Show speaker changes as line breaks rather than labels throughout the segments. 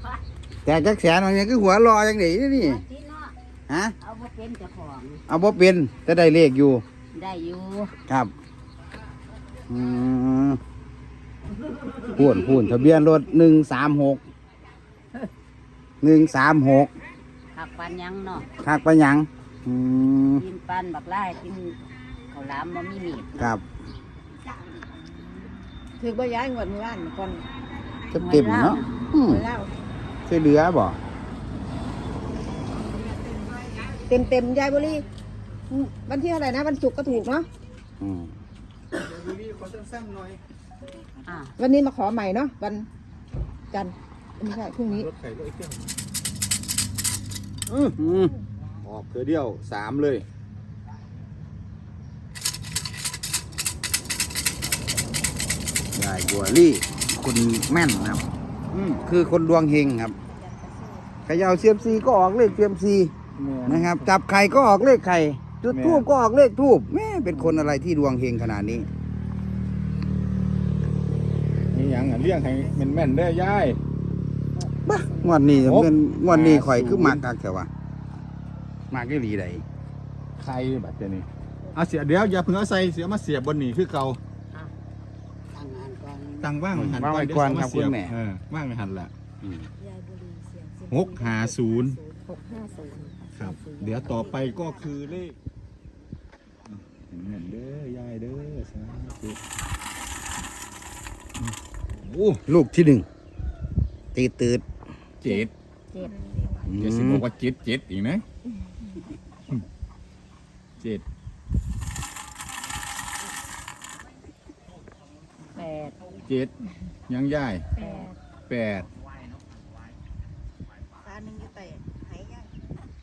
แต่จักแสนอะไรเนี่ยคือหัวรออย่างนี้นี่ฮะ
เอาบ่เป็นเจ้าของ
เอาบ่เป็นจะได้เลขอยู่
ได้อยู่
ครับพูนทะเบียนรถ136
หักปันยังเนาะ
คักไปยัง
กินปันบักไล่กินข้าวหลามบ่มีมีด
ครับ
ถือบ่ย้ายงวดมื้อวานก่อน
เต็มเนาะช่วยเหลือบ่
เต็มยายบุรีวันที่เท่าไหร่นะวันศุกร์ก็ถูกเนาะ
บุรีขอสั้นๆหน่อย
วันนี้มาขอใหม่เนาะวันจันทร์ไม่ใช่พรุ่งนี้
รถไข่รถไอ้เจ้าออกเธอเดียว3เลยยายบัวลี่คุณแม่นครับคือคนดวงเฮงครับเขย่าเซียมซีก็ออกเลขเซียมซีนะครับจับไข่ก็ออกเลขไข่จุดทูบก็ออกเลขทูบแม่เป็นคนอะไรที่ดวงเฮงขนาดนี้
นี่ยังเลี้ยงให้แม่นได้ย่าย
บ้างวดนี้เป็นงวดนี้ข่อยคือมากกักแต่ว่า มากได้หลีใด
ใครแบบนี้เอาเสียเดี๋ยวอย่าเพิ่งเอาใส่เสียมาเสียบบนนี่คือเก่าตั้งว่างหัน
ว่างก่อนครับคุณแม่
ว่างหันละ650ครับเดี๋ยวต่อไปก็คือเลขเงินเด้อยายเด้อสาธุ
โอ้ลูกที่1ตีตืด
7จะสิบอกว่า7อีกนะ7 ยังย่าย8
ตาหนึ่งอยู่แต่หายย่าย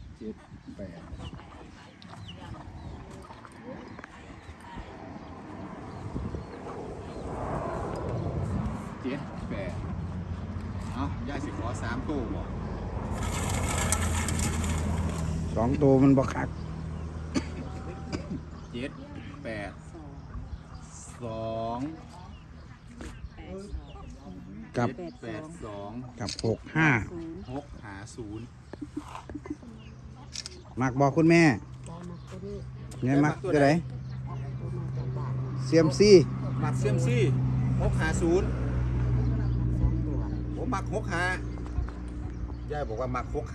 7 8เอาย่ายสิขอ3ตู้บ่
2ตัวมันบ่คัก
7 8 2
กับ
82
กับ
650
มักบอกคุณแม่ไงมักตัวไหนเซียมซี
มักเซียมซี650ผมมัก65ย่ายบอกว่ามัก65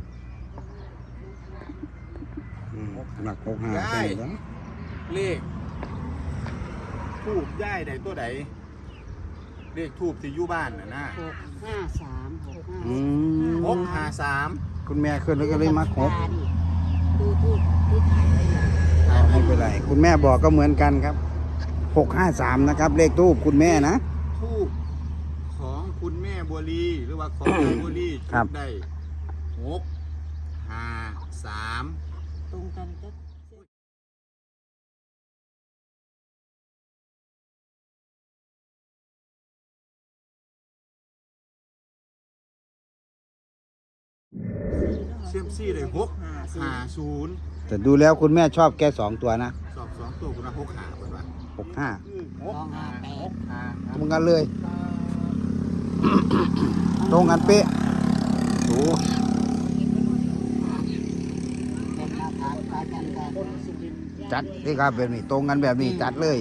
มัก65
ย่ายเลขทูบย่ายใดตัวใดเลขทูบที่อยู่บ้านนะ653
คุณแม่ขึ้นแล้วก็เลยมัก6
ดูทูบที่ถ่ายไว้
ไม่เป็นไรคุณแม่บอกก็เหมือนกันครับ653นะครับเลขทูบคุณแม่นะ
ทูบของคุณแม่บัวลีหรือว่าของยายบัวลี
ครับ
ได้653
ตรงกันก็
เซียมซี่เลย650
แต่ดูแล้วคุณแม่ชอบแค่2ตัวนะ
ชอบ2ตัวคุณนะ65เหมือนว่า
65ตรงกันเลยตรงกันเป๊ะโอ้จัดที่ครับแบบนี้ตรงกันแบบนี้จัดเลย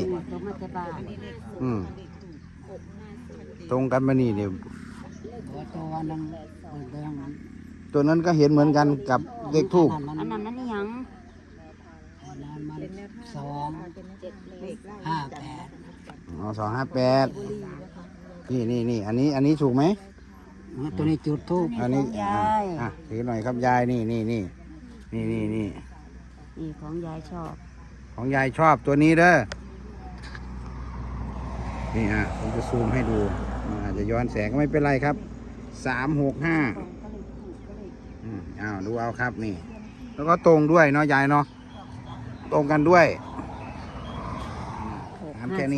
ตรงกันมานี่เนี่ยตัวนั้นก็เห็นเหมือนกันกับเลขทูบ
อันนั้นยัง
258นี่อันนี้ถูกไหม
ตัวนี้จุดทูบ
อันนี้ถือหน่อยครับยายนี่
ของยายชอบ
ของยายชอบตัวนี้เด้อนี่ผมจะซูมให้ดูอาจจะย้อนแสงก็ไม่เป็นไรครับ365ดูเอาครับนี่แล้วก็ตรงด้วยเนาะยายเนาะตรงกันด้วยแค่นี้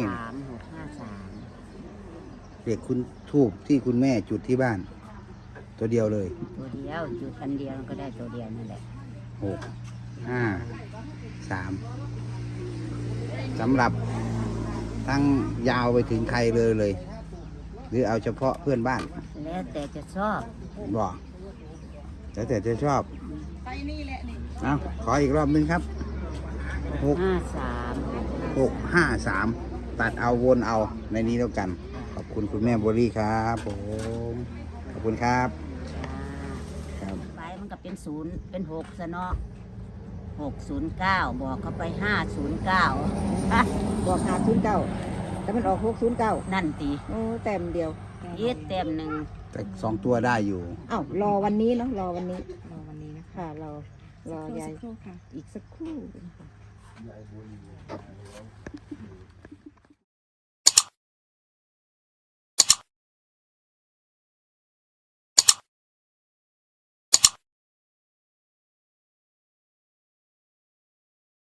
เด็กคุณทูบที่คุณแม่จุดที่บ้านตัวเดียวเลย
ตัวเดียวจุดอันเดียวก็ได้ตัวเดียวนั่นแหละ
653สำหรับทั้งยาวไปถึงใครเลยหรือเอาเฉพาะเพื่อนบ้าน
แล้วแต่จะชอบ
บอกแล้วแต่จะชอบเอาขออีกรอบนึงครับหก
53
653 ตัดเอาวนเอาในนี้แล้วกัน ขอบคุณคุณแม่บัวลี่ครับผมขอบคุณครับครับ
ไปมันก็เป็น0เป็น6ซะเนาะ609บอกเขาไป509
บอก509แต่มันออก609
นั่นติ
โอ้แต้มเดียว
ยีดเต็มหนึ่ง
แต่2 ตัวได้อยู่
อ้าวรอวันนี้เนาะรอวันนี้
รอวันนี้นะคะ
ค่ะรอยาย
สักครู่ค่ะ
อีกสักครู่